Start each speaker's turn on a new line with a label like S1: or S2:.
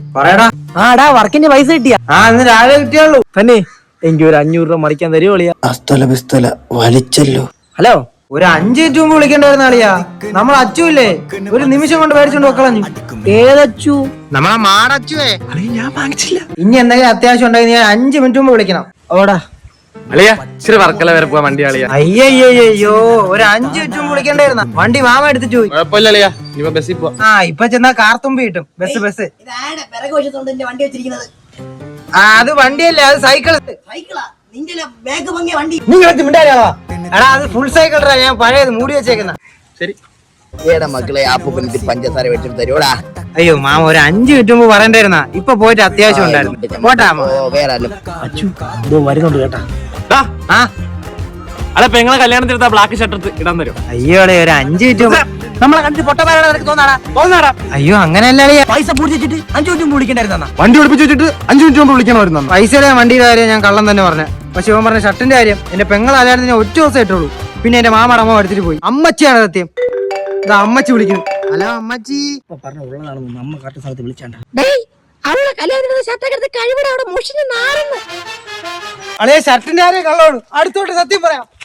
S1: പറയടാ.
S2: ആടാ വർക്കിന്റെ പൈസ കിട്ടിയാ?
S1: ഇന്ന് രാവിലെ കിട്ടിയുള്ളൂ.
S2: തന്നെ എനിക്ക് ഒരു 500 രൂപ മറിക്കാൻ തരുമോ അളിയാ?
S3: അസ്തല പിസ്തല വലിച്ചല്ലോ.
S2: ഹലോ,
S1: ഒരു 5 മിനിറ്റ് മുമ്പ് വിളിക്കേണ്ടായിരുന്ന അളിയാ. നമ്മൾ അച്ചുല്ലേ, ഒരു നിമിഷം കൊണ്ട് മേടിച്ചോണ്ട് വെക്കളഞ്ഞു.
S2: ഏതച്ചു?
S1: നമ്മളെ മാടച്ചുവേ.
S2: ഞാൻ വാങ്ങിച്ചില്ല.
S1: ഇനി എന്തെങ്കിലും അത്യാവശ്യം ഉണ്ടെങ്കിൽ ഞാൻ 5 മിനിറ്റ് മുമ്പ് വിളിക്കണം.
S2: ഓടാ
S4: അളിയാ, ഇച്ചിരി വർക്കല വരെ പോവാ വണ്ടി അളിയാ.
S1: അയ്യോ, ഒരു 5 മിനിറ്റ് മുമ്പ് വിളിക്കേണ്ടായിരുന്ന. വണ്ടി മാമ എടുത്തിട്ട് പോയി.
S4: കുഴപ്പമില്ല അളിയാ, ഇപ്പൊ ബസ്സിൽ പോവാ.
S1: ഇപ്പൊ ചെന്നാ കാർത്തുമ്പി കിട്ടും. ബസ് അത് വണ്ടിയല്ലേ, അത് സൈക്കിൾ. എടാ അത് ഫുൾ സൈക്കിൾ. ഞാൻ പഴയത് മൂടി വെച്ചേക്കുന്ന.
S4: ശരി
S3: മക്കളെ ആപ്പൂപ്പനിട്ട് പഞ്ചസാര വെച്ചിട്ട് തരുവോടാ.
S1: അയ്യോ മാമ, ഒരു 5 മിനിറ്റ് മുമ്പ് പറയണ്ടായിരുന്ന. ഇപ്പൊ പോയിട്ട് അത്യാവശ്യം ഉണ്ടായിരുന്നു. പോട്ടാ
S3: വേറെ
S2: അച്ചു വരുന്നുണ്ട് കേട്ടാ.
S4: അല്ല പെങ്ങളെ കല്യാണത്തിനെടുത്ത ബ്ലാക്ക് ഷർട്ട് ഇടാൻ തരും.
S1: അയ്യോ ഒരു 5 മിനിറ്റ്
S2: നമ്മളെ കണ്ടിട്ട് പൊട്ടന്മാരാണ് തോന്നാടാ.
S1: അയ്യോ അങ്ങനെയല്ല അളിയാ.
S2: പൈസ പൂടിച്ചിട്ട് 5 മിനിറ്റ് മുമ്പ് വിളിക്കണ്ടായിരുന്ന.
S4: വണ്ടി ഒളിപ്പിച്ച് വെച്ചിട്ട് 5 മിനിറ്റ് മുമ്പ് വിളിക്കണമായിരുന്നു.
S1: പൈസയുടെ വണ്ടിയുടെ കാര്യം ഞാൻ കള്ളം തന്നെ പറഞ്ഞ. പക്ഷെ ഇവൻ പറഞ്ഞ ഷർട്ടിന്റെ കാര്യം എന്റെ പെങ്ങൾ കല്യാണത്തിന് ഒറ്റ ദിവസം ഇട്ടുള്ളൂ. പിന്നെ എന്റെ മാമയുടെ അമ്മ എടുത്തിട്ട് പോയി. അമ്മച്ചിയാണ് സത്യം. ഇതാ അമ്മച്ചി വിളിക്കുന്നു. ഹലോ അമ്മച്ചി.
S2: പറഞ്ഞ ഉള്ളതാണെന്ന് നമ്മ കറക്റ്റ് സ്ഥലത്ത് വിളിച്ചാണ്ട.
S1: അളിയ ഷർട്ടിന്റെ കാര്യം കള്ളോളൂ. അടുത്തോട്ട് സത്യം പറയാം.